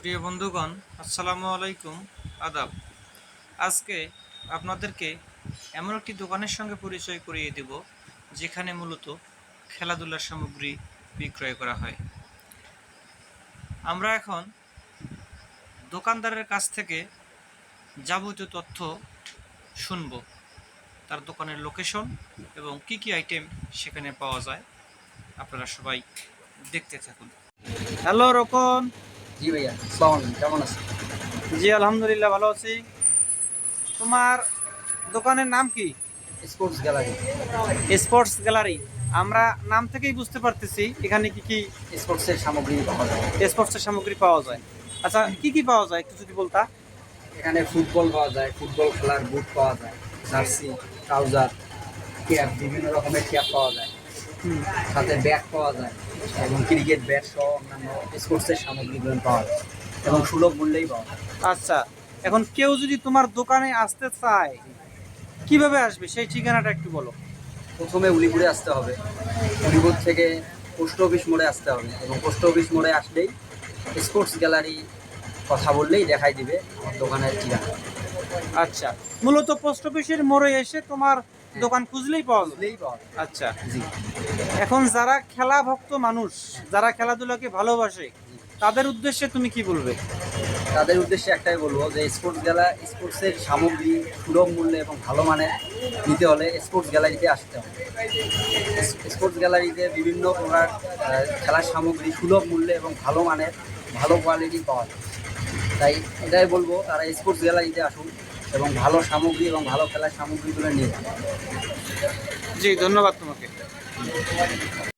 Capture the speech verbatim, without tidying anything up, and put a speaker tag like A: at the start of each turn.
A: প্রিয় বন্ধুগণ, আসসালামু আলাইকুম, আদাব। আজকে আপনাদেরকে এমন একটি দোকানের সঙ্গে পরিচয় করিয়ে দেব যেখানে মূলত খেলাধুলার সামগ্রী বিক্রয় করা হয়। আমরা এখন দোকানদারের কাছ থেকে যাবতীয় তথ্য শুনব, তার দোকানের লোকেশন এবং কি কি আইটেম সেখানে পাওয়া যায়। আপনারা সবাই দেখতে থাকুন। হ্যালো রকন।
B: জি ভাইয়া, আসসালামু আলাইকুম, কেমন আছেন?
A: জি আলহামদুলিল্লাহ, ভালো আছি। তোমার দোকানের নাম কি?
B: Sports gallery.
A: Sports gallery. আমরা নাম থেকেই বুঝতে পারতেছি এখানে কি কি
B: স্পোর্টসের সামগ্রী পাওয়া যায়।
A: স্পোর্টসের সামগ্রী পাওয়া যায়। আচ্ছা, কি কি পাওয়া যায় একটু যদি বলতা।
B: এখানে ফুটবল পাওয়া যায়, ফুটবল খেলার বুট পাওয়া যায়, জার্সি, ট্রাউজার, ক্যাপ, বিভিন্ন রকমের ক্যাপ পাওয়া যায়,
A: হুম।
B: সাথে ব্যাট পাওয়া যায় এবং ক্রিকেট ব্যাট সহ অন্যান্য স্পোর্টসের সামগ্রীগুলো পাওয়া যায় এবং সুলভ মূল্যেই পাওয়া যায়।
A: আচ্ছা, এখন কেউ যদি তোমার দোকানে আসতে চায় কিভাবে আসবে সেই ঠিকানাটা একটু বলো।
B: প্রথমে উলিপুরে আসতে হবে, উলিপুর থেকে পোস্ট অফিস মোড়ে আসতে হবে এবং পোস্ট অফিস মোড়ে আসলেই স্পোর্টস গ্যালারি কথা বললেই দেখাই দিবে আমার দোকানের ঠিকানা।
A: আচ্ছা, মূলত পোস্ট অফিসের মোড়ে এসে তোমার দোকান খুঁজলেই পাওয়া যাবে।
B: বুঝলেই পাওয়া যায়।
A: আচ্ছা,
B: জি।
A: এখন যারা খেলা ভক্ত মানুষ, যারা খেলাধুলাকে ভালোবাসে, তাদের উদ্দেশ্যে তুমি কি বলবে?
B: তাদের উদ্দেশ্যে একটাই বলবো যে স্পোর্টস গ্যালা স্পোর্টসের সামগ্রী সুলভ মূল্যে এবং ভালো মানের নিতে হলে স্পোর্টস গ্যালারিতে আসতে হবে। স্পোর্টস গ্যালারিতে বিভিন্ন প্রকার আহ, খেলার সামগ্রী সুলভ মূল্যে এবং ভালো মানের, ভালো কোয়ালিটি পাওয়া যায়। তাই এটাই বলবো, তারা স্পোর্টস গ্যালারিতে আসুন এবং ভালো সামগ্রী এবং ভালো খেলার সামগ্রীগুলো নিয়ে যান।
A: জি, ধন্যবাদ তোমাকে।